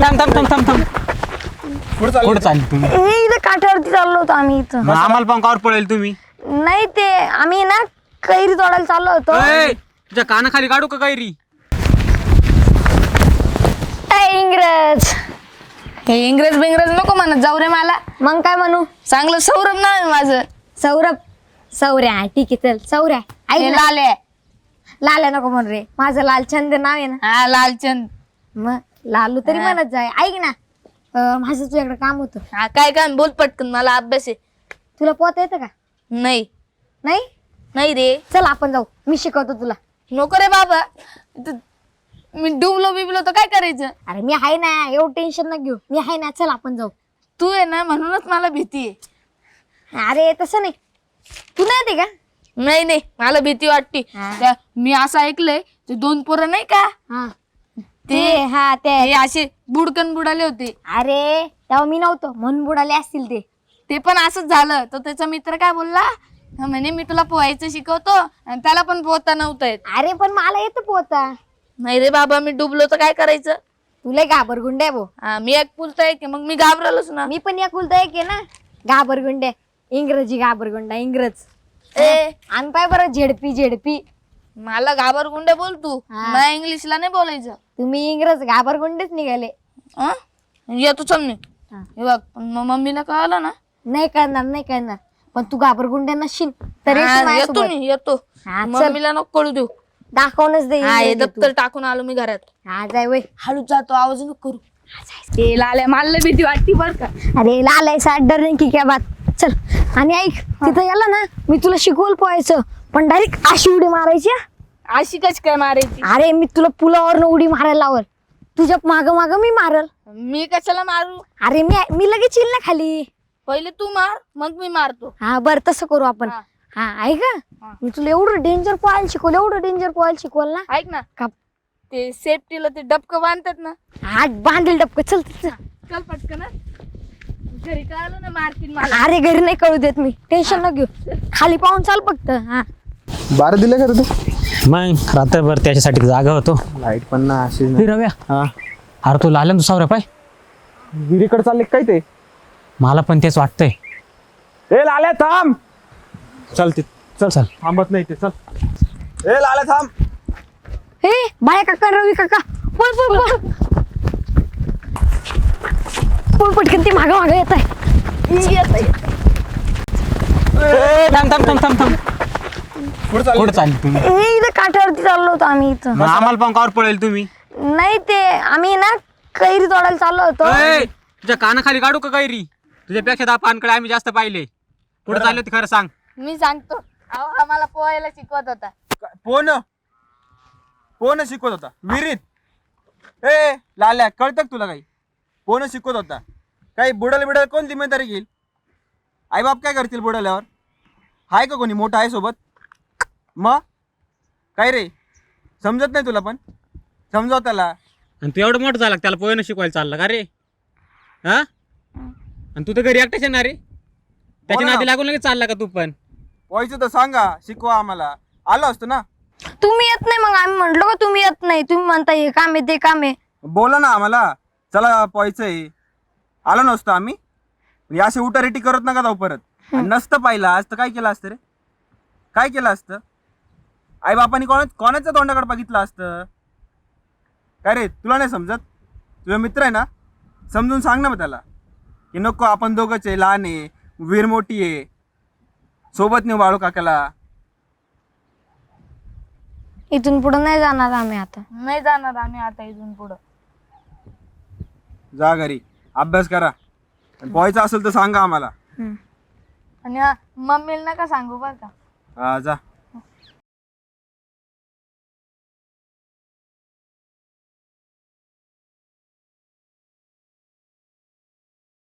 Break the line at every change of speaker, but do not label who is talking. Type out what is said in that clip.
थांब थांब थांब थांब थांब कुठं चालली तुम्ही?
इथं काठावरती चाललो होतो आम्ही इथं.
मग आम्हाला पण कावर पडेल तुम्ही?
नाही ते आम्ही ना कैरी तोडायला चाललो होतो.
तुझ्या कानाखाली काढू का कैरी?
इंग्रज
हे इंग्रज बिंग्रज नको म्हणत जाऊ रे मला.
मग काय म्हणू?
चांगलं सौरभ नाव आहे माझं.
सौरभ सौर्या ठीक आहे चल सौर्या.
हे
ऐक
लाले.
लाल्या नको म्हण रे, माझं लालचंद नाव आहे ना.
हा लालचंद.
मग लालू तरी म्हणत जाय. ऐक ना माझं तुझ्याकडे काम होतं.
हा काय काय बोल पटकन, मला अभ्यास आहे.
तुला पोहता येतं का?
नाही
नाही
नाही रे,
चल आपण जाऊ, मी शिकवतो तुला.
नको रे बाबा. मी डुबलो बिबलो तर काय करायचं?
अरे मी आहे ना, एवढं टेन्शन न घेऊ, मी आहे ना. चल आपण जाऊ.
तू आहे ना म्हणूनच मला भीती आहे.
अरे तसं नाही, तू नाही येते का?
नाही नाही, मला भीती वाटते. मी असं ऐकलंय ते 2 पोरं नाही का,
हा
ते
हा ते
हे असे बुडकन बुडाले होते.
अरे तेव्हा मी नव्हतो म्हणून बुडाले असतील ते.
ते पण असंच झालं. तर त्याचा मित्र काय बोलला, म्हणे मी तुला पोहायचं शिकवतो, आणि त्याला पण पोहता नव्हतं येत.
अरे पण मला येतं पोहता.
नाही रे बाबा, मी डुबलो तर काय करायचं?
तुला घाबरगुंड आहे भाऊ.
हा, मी एक पुलता आहे की, मग मी घाबरलोच ना.
मी पण एक उलटा एक आहे ना, घाबरगुंड. इंग्रजी घाबरगुंडा इंग्रज.
ए
आणि पाय बरं झेडपी झेडपी.
मला घाबरगुंडे बोल तू,
हा.
मला इंग्लिशला नाही बोलायचं.
तुम्ही इंग्रज घाबरगुंडेच निघाले.
हं? येतो चल मी.
हा.
हे बघ, पण मग मम्मीला कळलं ना.
नाही करणार नाही करणार, पण तू घाबरगुंड नसशील तर येशील
हा, येतो
माझ्यासोबत.
मी येतो.
हा, चल.
मम्मीला नको कळू देऊ.
दाखवूनच दे
हा, हे
इंग्रजी तू.
दप्तर टाकून आलो मी घरात.
हा जाय वय.
हळूच जातो, आवाज नको करू. ते लाल्या, मला भीती वाटती बर का.
अरे लाल आहे साठ डर नाही की क्या बात. चल आणि ऐक, तिथं गेला ना मी तुला शिकवलं पोहायचं, पण डायरेक्ट अशी उडी मारायची हा.
अशी कच काय मारायची?
अरे मी तुला पुलावरनं उडी मारायला लावल, तुझ्या माग माग मी मारल.
मी कशाला मारू?
अरे मी लगेच येईल ना खाली.
पहिले तू मार, मग मी मारतो.
हा बर तसं करू आपण.
हा.
हा ऐक हा.
हा.
मी तुला एवढं डेंजर पोहायला शिकवलं, एवढं डेंजर पोहायला शिकवलं ना.
ऐक ना,
का
ते सेफ्टीला ते डबकं बांधतात ना.
हा बांधेल डबक. चल चल.
चल पटकन हं. घरी कळलं ना मारतील मला.
अरे घरी नाही कळू देत मी, टेन्शन न घेऊ. खाली पाहून चाल फक्त. हा
12 दिले का रे तू?
मग रात्रभर त्याच्यासाठी जागा होतो.
लाईट पण ना अशी
हे रव्या,
हा
अरे तू लाल्या तू सावऱ्या पाय.
विहिरीकडे चालले काय ते?
मला पण तेच वाटतंय.
ए लाल्या थांब. चल ते चल
चल.
थांबत नाही ते, चल. ए लाल्या थांब.
हे बाया काका रवी काका पळ पळ पळ पळ पटकन, ते मागं मागं येत आहे.
थांब थांब थांब थांब थांब कुठं चालली तुम्ही?
इथं काठावरती चाललो होतो आम्ही इथं.
मग आम्हाला पण कावर पडेल तुम्ही?
नाही ते आम्ही ना कैरी तोडायला चाललो होतो.
तुझ्या कानाखाली काढू का कैरी? तुझ्यापेक्षा 10 पानकडे आम्ही जास्त पाहिले. कुठं चालले होते खरं सांग.
मी सांगतो. अहो, आम्हाला पोहायला शिकवत होता.
पोहणं शिकवत होता विहिरीत? ए लाल्या कळतं का तुला काही? पोहणं शिकवत होता. काही बुडाला बिडाला कोण जिम्मेदारी घेईल? आई बाप काय करतील बुडाल्यावर? आहे का कोणी मोठं आहे सोबत? मग काय रे, समजत नाही तुला? पण समजाव त्याला.
आणि तू एवढं मोठं झाला त्याला पोहणं शिकवायला चालला का रे? हा, आणि तू तर घरी एकटाच येणार रे. त्याच्या नादी लागून लगेच चालला का तू पण?
पोहायचं तर सांगा, शिकवा आम्हाला. आलो असतो ना.
तुम्ही येत नाही, मग आम्ही म्हंटलो का तुम्ही येत नाही. तुम्ही म्हणता हे काम आहे ते काम आहे.
बोला ना आम्हाला, चला पोहायचंय. आलो नसतो आम्ही. असे उठारेटी करत नका जाऊ परत. आणि नसतं पाहिलं आज तर काय केलं असतं रे? काय केलं असतं? आई बापानी कोणाच्या तोंडाकडे बघितलं असतं? काय रे तुला नाही समजत? तुझा मित्र आहे ना, समजून सांग ना मग त्याला की नको, आपण दोघंच आहे, लहान आहे, वीर मोठी आहे, सोबत नेऊ बाळू काकाला.
इथून पुढे नाही जाणार आम्ही आता.
नाही जाणार आम्ही आता इथून पुढं.
जा घरी अभ्यास करा. आणि पोहायचं असेल तर सांगा आम्हाला.
आणि हा, मम्मीला नका सांगू बरं का.
हा जा.